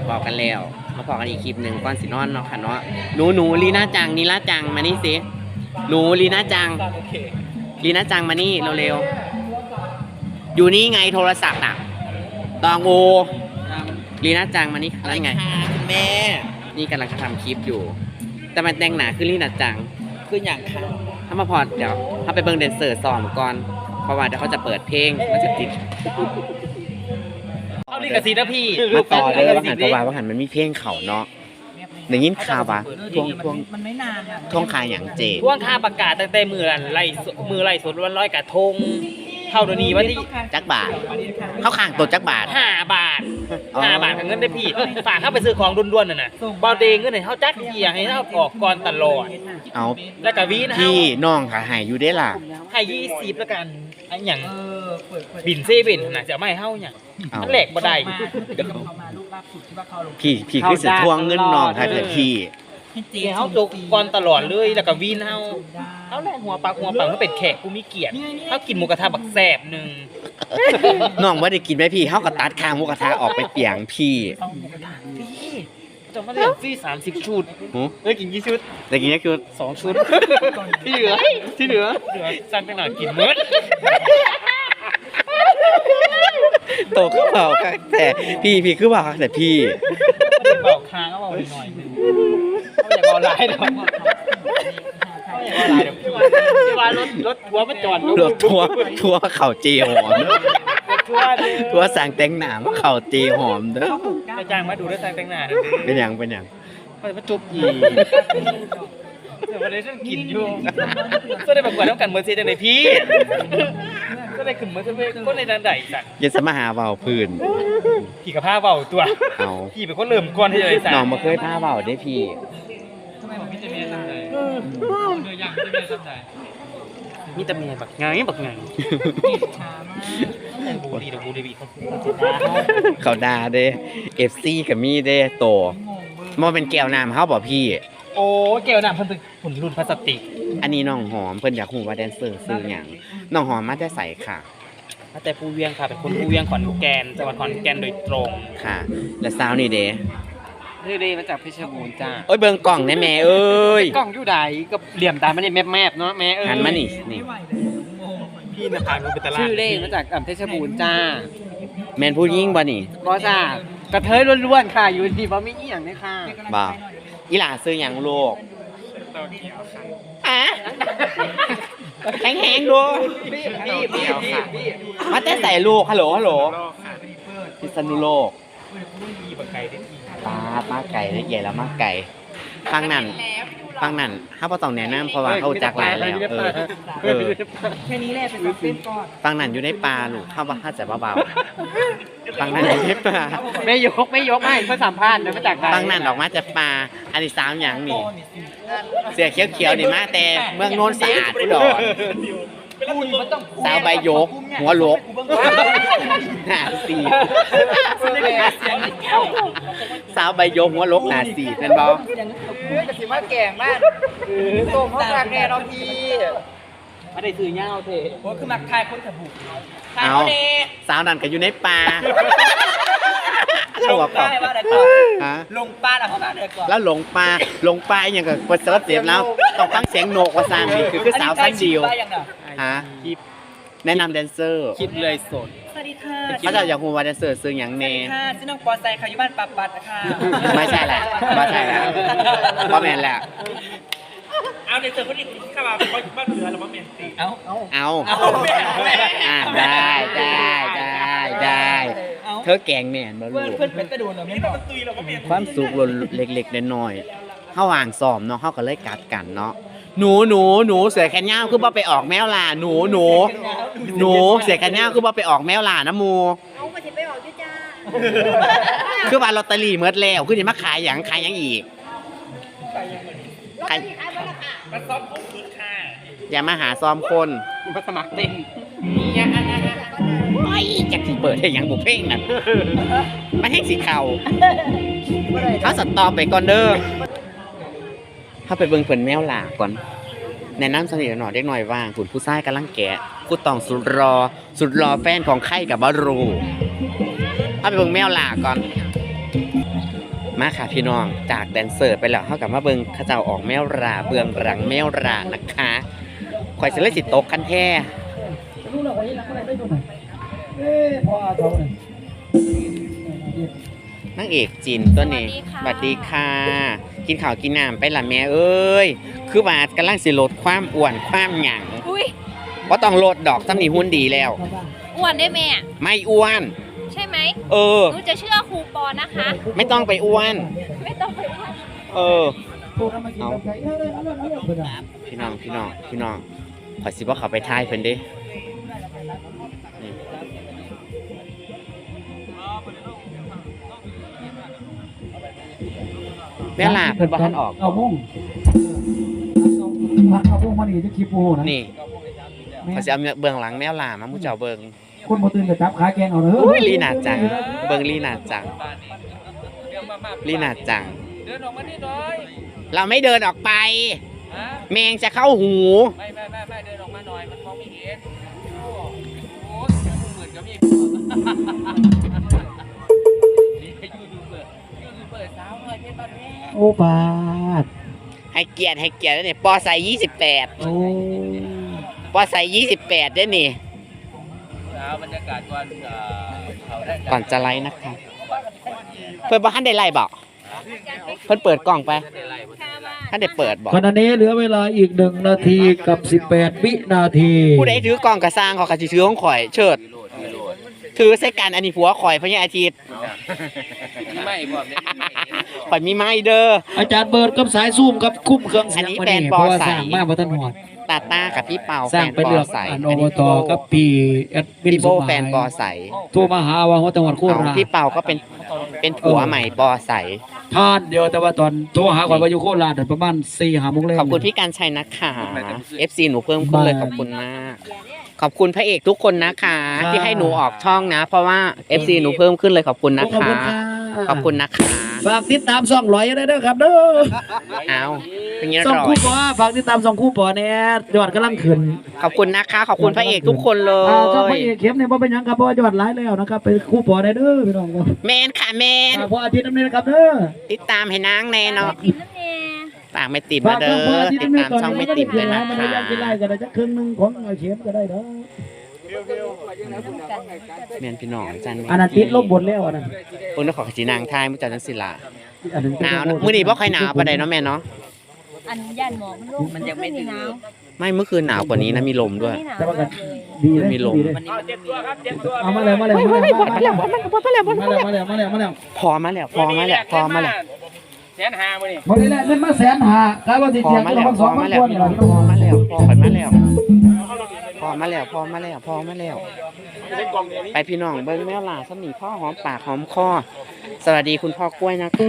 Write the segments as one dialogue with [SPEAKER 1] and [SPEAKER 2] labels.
[SPEAKER 1] พอกันแล้วมาพอกันอีกคลิปหนึ่งก่อนสินอนเนาะค่ะเนาะหนูลีน่าจังนีล่าจังมานี่สิหนูลีน่าจังลีน่าจังมานี่เร็วๆอยู่นี่ไงโทรศัพท์น่ะตองโอลีน่าจังมานี่แล้วไงคุณแม่นี่กำลังจะทำคลิปอยู่แต่มันแต่งหนาคือลีน่าจังคืออย่างค่ะถ้ามาพอเดี๋ยวถ้าไปเบิ่งแดนเซอร์ซ้อมก่อนเพราะว่าเดี๋ยวเขาจะเปิดเพลงมันจะติด
[SPEAKER 2] เอาลิขสิทธิ์นะพี่
[SPEAKER 1] มาต่อเลยว่าหันว่าหันมันมีเพลงเขาเนาะอย่างนี้ข่าวปะทวง
[SPEAKER 3] มันไม่นานอะ
[SPEAKER 1] ท่วงคายอย่างเจ
[SPEAKER 2] ท่วงค่าประกาศตั้งแต่มือไล่สดวันร้อยกระทงเท่าเดี๋ยวนี้วันที่
[SPEAKER 1] จักบาทเข้าข้างตัวจักบาท
[SPEAKER 2] 5 บาท5 บาทเงินได้พี่ฝากเข้าไปซื้อของด้วนๆน่ะนะบอลเดงเงินให้เขาจักเกียร์ให้เขาออกก่อนตลอด
[SPEAKER 1] เอา
[SPEAKER 2] แล้วก็วีนะ
[SPEAKER 1] พี่น้องค่ะหายอยู่ได้ล่ะ
[SPEAKER 2] ให้20แล้วกันไอ้อย่างบินเซเว่นน่ะจะไม่ให้เฮาอย่างมันแหลกบ่ได้
[SPEAKER 1] พี่คือสิทวงเงินน้องค่ะเถิดพี่
[SPEAKER 2] เฮาจกก่อนตลอดเลยแล้วก็วีนเฮาแลกหัวปากมันเป็นแขกกูมีเกียรติเฮากินหมูกระทะบักแซ่บนึง
[SPEAKER 1] น้องบ่ได้กินไหมพี่เฮาก็ตัดคางหมูกระทะออกไปเปียงพี่
[SPEAKER 2] จะมาเรียกฟรี30 ชุดได้กินกี่ชุด
[SPEAKER 1] ได้กินแค่ชุด
[SPEAKER 2] 2 ชุดที่เหลือสั่งไปหน่อยกินหมด
[SPEAKER 1] โตขึ้นเบาค่ะแต่พี่คือเบาค่ะแต่พี่
[SPEAKER 2] เบาค้างก็เบาหน่อยนึงเขาอย่าเบาหลายดอกที่ว่ารถทัวร์มาจอด
[SPEAKER 1] รถทัวร์เข่าเจียวหอมทัวร์สั่งแต่งหน้ามาเข่าเจียวหอมเด้อ
[SPEAKER 2] จะจ้างมาดูได้สั่งแต่งหน้า
[SPEAKER 1] เป็นอย่าง
[SPEAKER 2] เขาจะมาจุบอีเดี๋ยววันนี้ฉันกินอยู่ก็ได้ประกวดต้องกันเมอร์เซจังไหนพี่ก็ได้ขึ้นเมอร์เซก็ในดันใดสัก
[SPEAKER 1] อย่าสมาหาเบาพื้น
[SPEAKER 2] พี่กับผ้าเบาตัวพี่เป็นคนเริ่มก่อนที่จะได้สัก
[SPEAKER 1] น้องมาเคยผ้าเบาได้พี่
[SPEAKER 2] ทำไมผมพี่จะเมียทำไหนเนื้อย่างจะเมียทำไหนมีแต่เมียแบบไงบูดี
[SPEAKER 1] เขาด่าเด้ FC กับมีเด้โตมันเป็นแก้วน้ำเขาบอกพี่
[SPEAKER 2] โอ้แก้วน้ำเพิ่นเป็นหุ่นรุ่นพลาสติก
[SPEAKER 1] อันนี้น้องหอมเพิ่นอยากฮู้ว่าแดนเซอร์ซื้อหยังน้องหอมมาแต่ไสค่ะ
[SPEAKER 2] มาแต่ภูเวียงค่ะเป็นคนภูเวียงขอนแก่นจังหวัดขอนแก่นโดยตรง
[SPEAKER 1] ค่ะและสาวนี่เด้
[SPEAKER 2] มาจากเพชรบูรณ์จ้า
[SPEAKER 1] เอ้ยเบิ่งกล่องแน่แม่เอ้ย
[SPEAKER 2] กล่องอยู่ใดก็เหลี่ยมตามันนี่แมบๆเนาะแม่
[SPEAKER 1] หันมานี่
[SPEAKER 2] พี่น่ะผ่านไปตลาด
[SPEAKER 3] ชื่อเล่มาจากเพชรบูรณ์จ้า
[SPEAKER 1] แม่นผู้หญิงบ่นี่
[SPEAKER 3] บ่จ้ากระเทยล้วนๆค่ะอยู่ที่บ่มีอีหยังเลยค่ะ
[SPEAKER 1] บ่อีหล่าซื้อหยังลูกแห้งๆดูมาแต่ใส่ลูกฮัลโหลพิษณุโลกป้าไก่ได้ใหญ่แล้วมาไก่ฟังนั่นถ้าบ่ต้องแนะนำเพราะว่าเขาจักหลายแล้ว
[SPEAKER 3] แค่นี้แหละไปเต้นก่อน
[SPEAKER 1] ฟังนั่นอยู่ในป่าลูกเข้าว่าถ้าจะเบาๆฟังนั่นอยู่ในป่า
[SPEAKER 3] ไม่ยกให้เขาสัมภาษณ์นะมาจาก
[SPEAKER 1] ฟังนั่นออกมาจากป่าอันนี้3อย่างนี่เสือเขียวๆนี่มาแต่เมืองโนนสะอาดอุดรสาวใบยกหัวลกหน้าสีสาวใบยกหัวลกหน้าสีเป็นบ่
[SPEAKER 3] จะสิมาแก่งมากโตเขาทางแน่น้องพี่มาได้ซื้อเงาเถอะโอ้คือมักทายคนถบุ
[SPEAKER 1] เอาสาวนั่นก็อยู่ในป่า
[SPEAKER 3] ลงป่าว่าอะไรก่อนลงป่าแล้วเขาว่าอะไรก่อน
[SPEAKER 1] แล้วหลงป่าอย่างกับเซิร์ชเสียบแล้วต้องฟังเสียงโหนกว่าสร้างนี่คือสาวสั้นเดียวฮะแนะนำแดนเซอร์
[SPEAKER 2] คิดเลยสด
[SPEAKER 3] สวัสดีค่ะ
[SPEAKER 1] เขาจะอยากรู้ว่าแดนเซอร์ซื้ออย่างเน่
[SPEAKER 3] ค่ะชื่อน้องปอไซค่ะอยู่บ้านปัดนะคะ
[SPEAKER 1] ไม่ใช่แหละพ่อแม่แหละ
[SPEAKER 2] เอาแดนเซอร์คนนี้เข้ามาเพราะบ้านเหนือเรามาเมียนตี
[SPEAKER 1] เอาได้เธอแกงแม่นบ่ลูก
[SPEAKER 3] เพื่อนเป็นกระโดดเหรอไม่บอก
[SPEAKER 1] ความสุขเล็กๆน้อยๆเฮาว่างซ้อมเนาะเฮาก็เลยกัดกันเนาะหนูเสือแขนยาวคือบ่ไปออกแมวล่ะหนูเสือแขนยาวคือบ่ไปออกแมวล่ะนะหมู่
[SPEAKER 3] เอามาสิไปออกอยู่จ้า
[SPEAKER 1] คือว่าลอตเตอรี่หมดแล้วคือสิมาขายหยังอีกขาย
[SPEAKER 2] มาซ้อมคนคืนค่ะ
[SPEAKER 1] อย่ามาหาซ้อมคน
[SPEAKER 2] มาสมัครเต้น
[SPEAKER 1] ไม่จะสิเปิดให้หยังบุเพลงนั่นมันให้สีเขาสตอไปก่อนเด้อถ้าไปเบิ่งเพิ่นแมวล่ะก่อนแนะนำสนิทหน่อยเด็กหน่อยว่างผู้ชายกำลังแกะผู้ต้องสุดรอแฟนของไข่กับบารูถ้าไปเบิ่งแมวล่ะก่อนมาค่ะพี่น้องจากแดนเซอร์ไปแล้วเขากลับมาเบิ่งข้าเจ้าออกแมวราเบื้องหลังแมวรานะคะข่อยสิเลยสิตกกันแท้
[SPEAKER 3] รู้แล้วว่ายังได้ตัวไหนพอเขาเนี่ย
[SPEAKER 1] นางเอกจินตัวนี้สวัสดีค่ะกินข้าวกินน้ำไปละแม่เอ้ยคือว่ากำลังสิลดความอ้วนความหยั่ง
[SPEAKER 4] อุ้ย
[SPEAKER 1] เพราะต้องลดดอกซ้ำนี่หุ่นดีแล้ว
[SPEAKER 4] อ้วนได้แม่
[SPEAKER 1] ไม่อ้วน
[SPEAKER 4] ใช่ไหม
[SPEAKER 1] เออ
[SPEAKER 4] หนูจะเชื่อครูปอนะคะ
[SPEAKER 1] ไม่ต้องไปอ้วน
[SPEAKER 4] ไม่ต้องไปอ้วน
[SPEAKER 1] เออ
[SPEAKER 3] เอา
[SPEAKER 1] พี่น้องขอสิว่าเขาไปท้ายเพิ่นเด้นี่แม่ลาเพิ่นบ่ทันออก
[SPEAKER 3] เอามุ่งเอาพวกมันนี่จะคีบโอ้นะ
[SPEAKER 1] นี่ขอสิเอาเบื้องหลังแมวลามาหมู่เจ้าเบิ่ง
[SPEAKER 3] คนบ่ตื่นกับจับขาแกงเอาเด้อ
[SPEAKER 1] อุ้ยลีน่าจังเบิ่งลีน่าจังลีน่าจัง
[SPEAKER 2] เดินออกมานิดหน่อย
[SPEAKER 1] เราไม่เดินออกไป
[SPEAKER 2] ฮะ
[SPEAKER 1] แมงจะเข้าหู
[SPEAKER 2] ไม่เดินออกมาหน่อยมันมองไม่เห็นโอ้เหมือนกับมียูทูบเบอร์สาวเลยเพชรบ้านแม่
[SPEAKER 3] โอ้ปาด
[SPEAKER 1] ให้เกียรติแล้วเนี่ยปอใส่28
[SPEAKER 3] โอ้
[SPEAKER 1] ปอใส่28ด้วยนี่
[SPEAKER 2] สาวบรรยากาศก่อนเขาได้
[SPEAKER 1] ก่อนจะไลฟ์นะคะเพิ่นบ่ทันได้ไลฟ์บ่เพิ่นเปิดกล่องไปท่านได้เปิดบ่
[SPEAKER 3] ขณะนี้เหลือเวลาอีก1 นาทีกับ18 วินาที
[SPEAKER 1] ผู้ใดถือกล่องกระสร้างเขาก็สิถือของข่อยเชิดถือใส่กันอันนี้ผัวข่อยพญาอาทิตย์
[SPEAKER 2] ไม่บอกเนี่ย
[SPEAKER 1] ข่อยมีไม้เด้อ
[SPEAKER 3] อาจารย์เบิร์ดกับสายซูมกับคุ้มเครื่องเสียง
[SPEAKER 1] อันนี้
[SPEAKER 3] มา
[SPEAKER 1] แบรนด์
[SPEAKER 3] เพราะว่า
[SPEAKER 1] บอใส
[SPEAKER 3] สร้างมาบ่ทันหอด
[SPEAKER 1] ตาต้ากับพี่เปา
[SPEAKER 3] สร้างไปเลือก
[SPEAKER 1] ใส
[SPEAKER 3] อันอบตกับปีแอดมิน
[SPEAKER 1] พี่
[SPEAKER 3] ส
[SPEAKER 1] โบ
[SPEAKER 3] มหมาย
[SPEAKER 1] แฟนปอใส
[SPEAKER 3] โทรมาหาว่าจังหวัดโค
[SPEAKER 1] เอา
[SPEAKER 3] ราช
[SPEAKER 1] พี่เปาก็เป็นผัวใหม่ปอใส
[SPEAKER 3] ทานเดียวแต่ว่าตอนโทรหาก่อนว่าอยู่โคราชประมาณ4-5 โมงแรง
[SPEAKER 1] ขอบคุณพี่การชัยนะคะ FC หนูเพิ่มขึ้นเลยขอบคุณมาก ขอบคุณพระเอกทุกคนนะคะ ที่ให้หนูออกช่องนะ เพราะว่า FC หนูเพิ่มขึ้นเลยขอบคุณนะ
[SPEAKER 3] ขอบ
[SPEAKER 1] คะ
[SPEAKER 3] คุณค่ะ
[SPEAKER 1] ขอบคุณนะคะ
[SPEAKER 3] ฝากติดตามช่องร้อยได้เด้อครับเด้อ
[SPEAKER 1] เอาเป็นยัง
[SPEAKER 3] ช่อง
[SPEAKER 1] ร่อ
[SPEAKER 3] คู่
[SPEAKER 1] ย
[SPEAKER 3] ปอฝากติดตามช่องคู่ปอเนี่ยยอดกำลังขึ้น
[SPEAKER 1] ขอบคุณนะคะ ขอบคุณพระเอกทุกคนเล
[SPEAKER 3] ช่องพ
[SPEAKER 1] ย
[SPEAKER 3] ระเอกเข้มเนี่ยบ่เป็นหยังครับเพราะว่ายอดไลค์แล้วนะครับเป็นคู่ปอได้เด้อพี่น้องครับ
[SPEAKER 1] แมนค่ะแมน
[SPEAKER 3] ฝากพออาทิตย์น้ำนี้นะครับเด้อ
[SPEAKER 1] ติดตามให้นางแน่เนาะ
[SPEAKER 4] กินน้ำแน่
[SPEAKER 1] ฝากไม่ติด
[SPEAKER 3] ฝาม
[SPEAKER 1] าก เด้
[SPEAKER 3] พอ
[SPEAKER 1] อ
[SPEAKER 3] อาทิตย์
[SPEAKER 1] ติด
[SPEAKER 3] น้ำนี้
[SPEAKER 1] ตาม
[SPEAKER 3] ก่อน
[SPEAKER 1] ช่องไม่
[SPEAKER 3] ก็
[SPEAKER 1] ติ
[SPEAKER 3] ได้
[SPEAKER 1] ด
[SPEAKER 3] เพี
[SPEAKER 1] เลย ย
[SPEAKER 3] ง
[SPEAKER 1] นะ
[SPEAKER 3] มัน
[SPEAKER 1] คะ
[SPEAKER 3] ไม่ยากกินไล่ก็ได้จะครึ่งหนึงของไอ้เข้มก็ได้เด้อ
[SPEAKER 1] แมนพี่น้องจัน
[SPEAKER 3] อันนั้นติดลบบนแล้วอันนั้น
[SPEAKER 1] เพิ่นขอขจีนางทายมุจจันทร์ศิลา
[SPEAKER 3] อันนั้น
[SPEAKER 1] หนาวนะมื้อนี้บ่ค่อยหนาวปานใดเนาะแม่เนาะ
[SPEAKER 4] อันย่านหมอกมันลงมันยังไม่หนาว
[SPEAKER 1] ไม่เมื่อคืนหนาวกว่านี้นะมีลมด้วย
[SPEAKER 4] ไม่หนาว
[SPEAKER 3] แต่ว่าก็
[SPEAKER 4] เลย
[SPEAKER 3] ดีเลย
[SPEAKER 1] มีลม
[SPEAKER 3] ดีเลย
[SPEAKER 2] เจ็บตัวครับเจ็บตัว
[SPEAKER 3] เอามาแล้วมาแล้วมาแล้ว
[SPEAKER 1] พอมาแล้ว
[SPEAKER 2] แสนหามื้อนี่
[SPEAKER 3] หมดแล้วเงินมา150,000ครับว่าสิ
[SPEAKER 1] พอ
[SPEAKER 3] เสีย
[SPEAKER 1] มา
[SPEAKER 3] ตัว
[SPEAKER 1] แล้ว
[SPEAKER 3] ละ
[SPEAKER 1] พอมาแล้ว
[SPEAKER 3] 2,000
[SPEAKER 1] พี่
[SPEAKER 3] ก
[SPEAKER 1] น้อง
[SPEAKER 3] ว่า
[SPEAKER 1] พอมาแล้วพอมาแล้วพอมาแล้วไปพี่น้องเบิ้งแมวล่าสมีพ่อหอมปากหอมคอสวัสดีคุณพ่อกล้วยนะคะ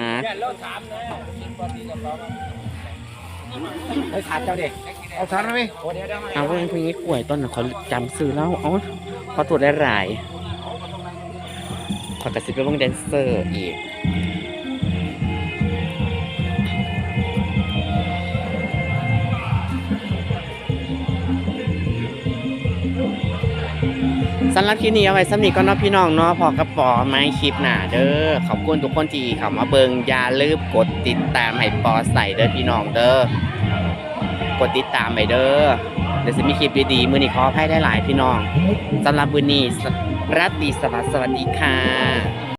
[SPEAKER 3] ไปถามเจ้าเด็กเอาถามได้มั้ย
[SPEAKER 1] เอาเพื่อนพวกนี้กล้วยต้นน่ะเขาจำซื้อแล้วเอาเขาตรวจได้หลายขอกระซิบไปเบิ่งแดนเซอร์อีกสำหรับคลิปนี้เอาไว้สำนีก็เนาะพี่น้องเนาะพอกระป๋อไม้คลิปหนาเด้อขอบคุณทุกคนที่เข้ามาเบิงอย่าลืมกดติดตามให้ปอใส่เด้อพี่น้องเด้อกดติดตามไปเด้อเดี๋ยวจะมีคลิปดีๆมื้อนี้ขออภัยได้หลายพี่น้องสำหรับมื้อนี้ราตรีสวัสดิ์สวัสดีค่ะ